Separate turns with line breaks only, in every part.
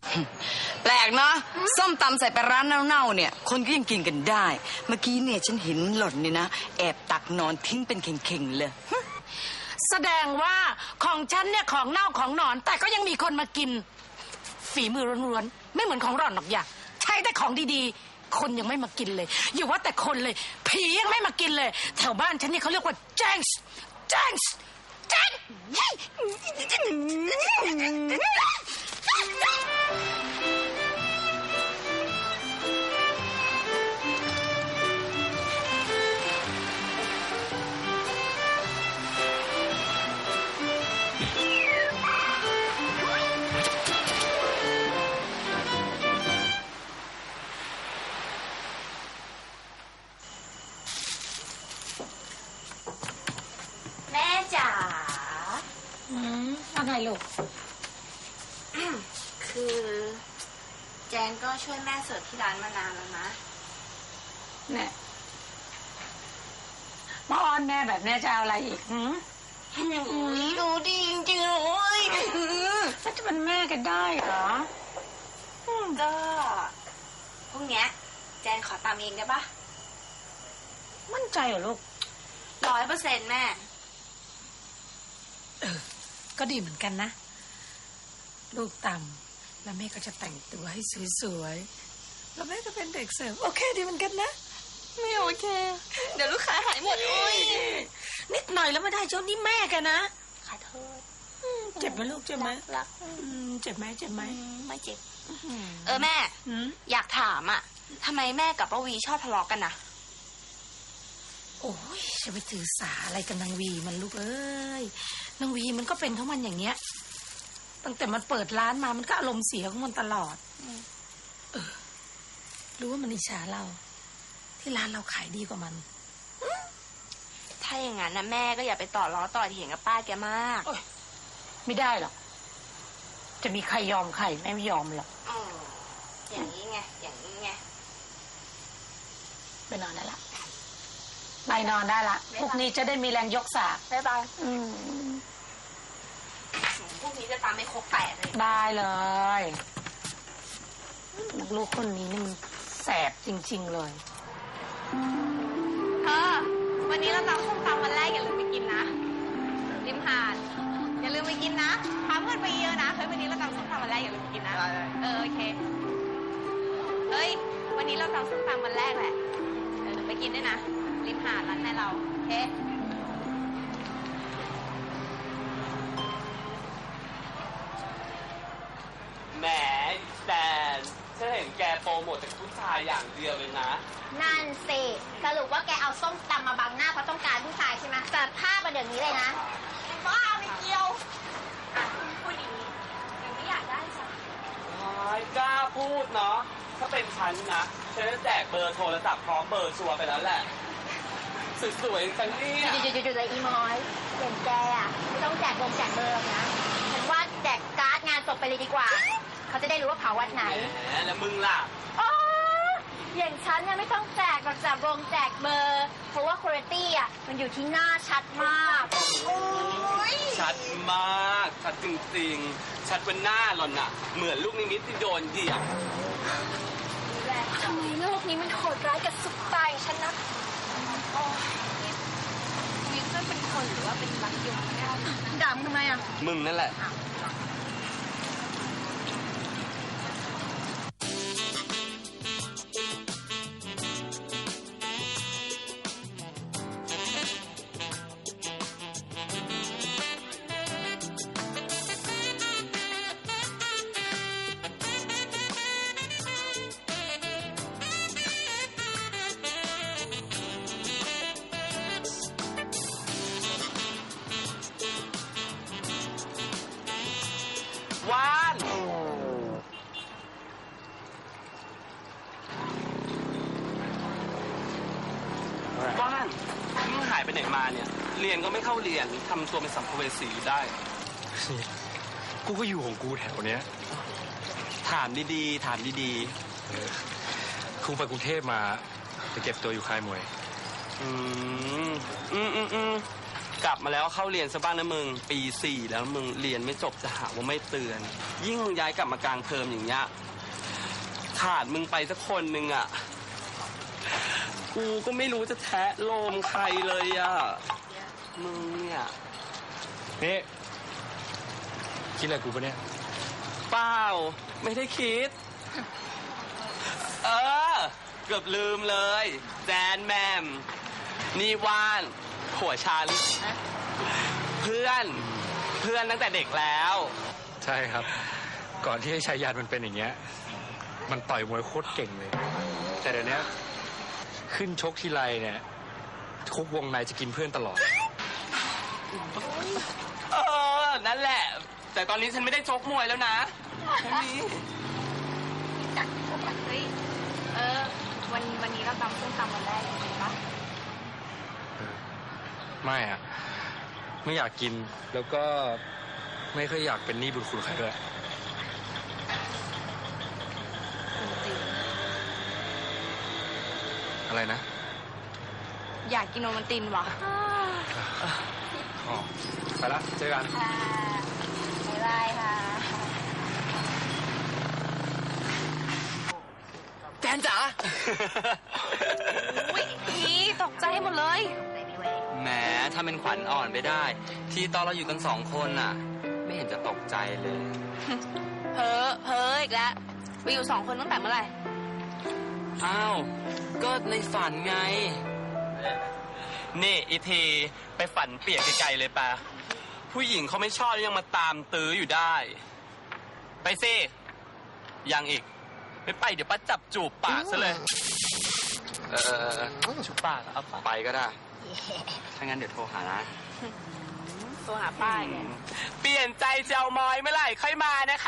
แปลกเนาะส้มตำใส่ปลาร้าเน่าๆเนี่ยคนก็ยังกินกันได้เมื่อกี้เนี่ยฉันเห็นหล่อนเนี่ยนะแอบตักนอนทิ้งเป็นเข่งๆเลย
แสดงว่าของฉันเนี่ยของเน่าของหนอนแต่ก็ยังมีคนมากินฝีมือล้วนๆไม่เหมือนของหล่อนหรอกอย่าใช้แต่ของดีๆคนยังไม่มากินเลยอย่าว่าแต่คนเลยผียังไม่มากินเลยแถวบ้านฉันเนี่ยเขาเรียกว่าแจ้งแจ้งแจ้ง
แม่จ๋า
อะไรลูก
คือแจงก็ช่วยแม่เสิร์ฟที่ร้านมานานแล้วนะ
เนี่ยมาอ้อนแม่แบบนี้จะเอาอะไรอีก
ดูดีจริงๆเลย
แล้วจะเป็นแม่กันได้เหรอ
ก็พรุ่งนี้แจงขอตามเองได้ปะ
มั่นใจเหรอลูก
100%แม่
ก็ดีเหมือนกันนะลูกต่ำแล้วแม่ก็จะแต่งตัวให้สวยๆแล้วแม่ก็เป็นเด็กเสิร์ฟโอเคดีเหมือนกันนะ
ไม่โอเคเดี๋ยวลูกค้าหายหมดเลย
นิดหน่อยแล้วไม่ได้เจ้านี่แม่กันนะ
ขอโทษ
เจ็บไหมลูกเจ็บไหม
รัก
เจ็บไหมเจ็บไหม
ไม่เจ็บแม่อยากถามอ่ะทำไมแม่กับป้าวีชอบทะเลาะกันนะ
โอ้ยจะไปถือสาอะไรกับนางวีมันลูกเอ้ยนางวีมันก็เป็นของมันอย่างเงี้ยตั้งแต่มันเปิดร้านมามันก็อารมณ์เสียของมันตลอดรู้ว่ามันอิจฉาเราที่ร้านเราขายดีกว่ามัน
ถ้าอย่างนั้นนะแม่ก็อย่าไปต่อล้อต่อเถียงกับป้าแกมาก
ไม่ได้หรอกจะมีใครยอมใครแม่ไม่ยอมหรอก
อย่างนี้ไงอย่างนี้ไง
ไปนอนได้ละไปนอนได้ละพรุ่งนี้จะได้มีแรงยกสาก
บ๊ายบายพรุ่งนี้จะตามไม่ครบ8เลย
ได้เลยลูกคนนี้นี่มันแสบจริงๆเลย
วันนี้เราตำส้มตำวันแรกอย่าลืมไปกินนะริมหาดอย่าลืมไปกินนะพาเพื่อนไปเยอะนะวันนี้เราตำส้มตำวันแรกอย่าลืมไปกินนะโอเควันนี้เราตำส้มตำวันแรกแหละไปกินด้วยนะริมหาดร้านแม่เราโอเค
แหมแดนฉันเห็นแกโปรโมทแต่ผู้ชายอย่างเดียวเลยนะ
นั่นสิสรุปว่าแกเอาส้มตำมาบังหน้าเพราะต้องการผู้ชายใช่ไหมแต่ภาพมาเดี๋ยวนี้เลยนะบ้าไม่เกี่ยว
พูดอย่างนี้ยังไม่อยากได้จ้ะ
กล้าพูดเนาะถ้าเป็นฉันนะฉันจะแจกเบอร์โทรศัพท์พร้อมเบอร์ชัวร์ไปแล้วแหละสวยๆจังเนี่ย
จุดๆเลยอีมอยอย่างแกอ่ะไม่ต้องแจกเบอร์นะฉันว่าแจกการ์ดงานศพไปเลยดีกว่าเขาจะได้รู้ว่าเผาวัดไหน
แล้วมึงล่ะ
อย่างฉันเนี่ยไม่ต้องแจกหรอกจากวงแจกเบอร์เพราะว่าคุณภาพอ่ะมันอยู่ที่หน้าชัดมาก
ชัดมากชัดจริงๆชัดบนหน้าหล่อนน่ะเหมือนลูกนิมิตที่โดนเหยียบ
ทำไมโลกนี้มันโหดร้ายกับสุดตายฉันนะ
วิทย์เป็นคนหรือว่าเป็นรักยุง
ด่ามึงทำไมอ่ะ
มึงนั่นแหละว่านนี่หายไปไหนมาเนี่ยเรียนก็ไม่เข้าเรียนทำตัวเป็นสัมภเวสีอยู่ได้
กูก็อยู่ของกูแถวเนี้ย
ถามดีๆถามดี
ๆกูไปกรุงเทพมาไปเก็บตัวอยู่ค่ายมวย
กลับมาแล้วเข้าเรียนซะบ้างนะมึง ปี 4 แล้วมึงเรียนไม่จบจะหาว่าไม่เตือน ยิ่งมึงย้ายกลับมากลางเทอมอย่างเงี้ยขาดมึงไปสักคนหนึ่งอ่ะกูก็ไม่รู้จะแทะโลมใครเลยอ่ะมึงเนี่ย
นี่คิดอะไรกูปะเนี่ย
เปล่าไม่ได้คิด เออ เกือบลืมเลยแจนแมมนี่ว่านผัวฉันเพื่อนตั้งแต่เด็กแล้ว
ใช่ครับ ก่อนที่ไอ้ชายยันมันเป็นอย่างเงี้ย มันต่อยมวยโคตรเก่งเลย แต่เดี๋ยวนี้ขึ้นชกทีไรเนี่ยคุกวงในจะกินเพื่อนตลอด
เออ นั่นแหละ แต่ตอนนี้ฉันไม่ได้ชกมวยแล้วนะแค่นี้
เฮ้ยวันนี้เราตำส้มตำวันแรกจริงปะ
ไม่อะไม่อยากกินแล้วก็ไม่ค่อยอยากเป็นหนี้บุญคุณใครด้วยอะไรนะ
อยากกินโอมันตินว่ะ
อ๋อไปละเจอกัน
ค่ะบ๊ายบายค่ะ
แจนจ๋า
อุ้ยพี่ตกใจหมดเลย
แหมถ้าเป็นขวัญอ่อนไปได้ ที่ตอนเราอยู่กัน2 คนน่ะ ไม่เห็นจะตกใจเลย
เพ้ออีกแล้วไปอยู่2 คนตั้งแต่เมื่อไหร่
อ้าว ก็ในฝันไง นี่อีทีไปฝันเปียกไกลๆเลยปะผู้หญิงเขาไม่ชอบยังมาตามตื้ออยู่ได้ ไปสิยังอีก ไม่ไปเดี๋ยวป้าจับจูบปากซะเลย จูบปากเอาไปก็ได้ ถ้างั้นเดี๋ยวโทรหานะ
ตัวหาป้ายเนี่ย
เปลี่ยนใจจะเอามอยเมื่อไหร่ค่อยมานะคะ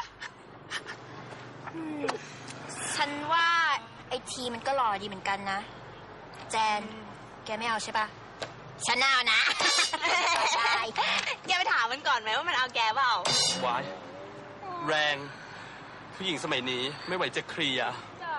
ฉันว่าไอทีมันก็หล่อดีเหมือนกันนะ แจน แกไม่เอาใช่ปะฉันเอานะ ใช่
แกไปถามมันก่อนไหมว่ามันเอาแกเปล่า
วาย แรง ผู้หญิงสมัยนี้ไม่ไหวจะเคลียร์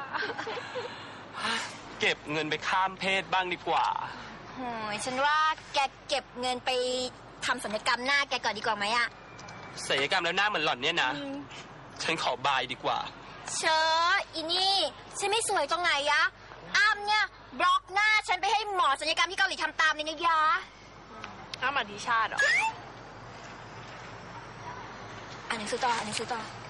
เก็บเงินไปข้ามเพศบ้างดีกว่า
โหยฉันว่าแกเก็บเงินไปทำศัลยกรรมหน้าแกก่อนดีกว่าไหมอะ
ศัลยกรรมแล้วหน้าเหมือนหล่อนเนี่ยนะ ฉันขอบายดีกว่า
เชออีนี่ฉันไม่สวยตรงไหนยะอ้ำเนี่ยบล็อกหน้าฉันไปให้หมอศัลยกรรมที่เกาหลีทำตามเลยนะยะ
อ้ามาดิชาติเหรอ
อ่านหนังสือต่อ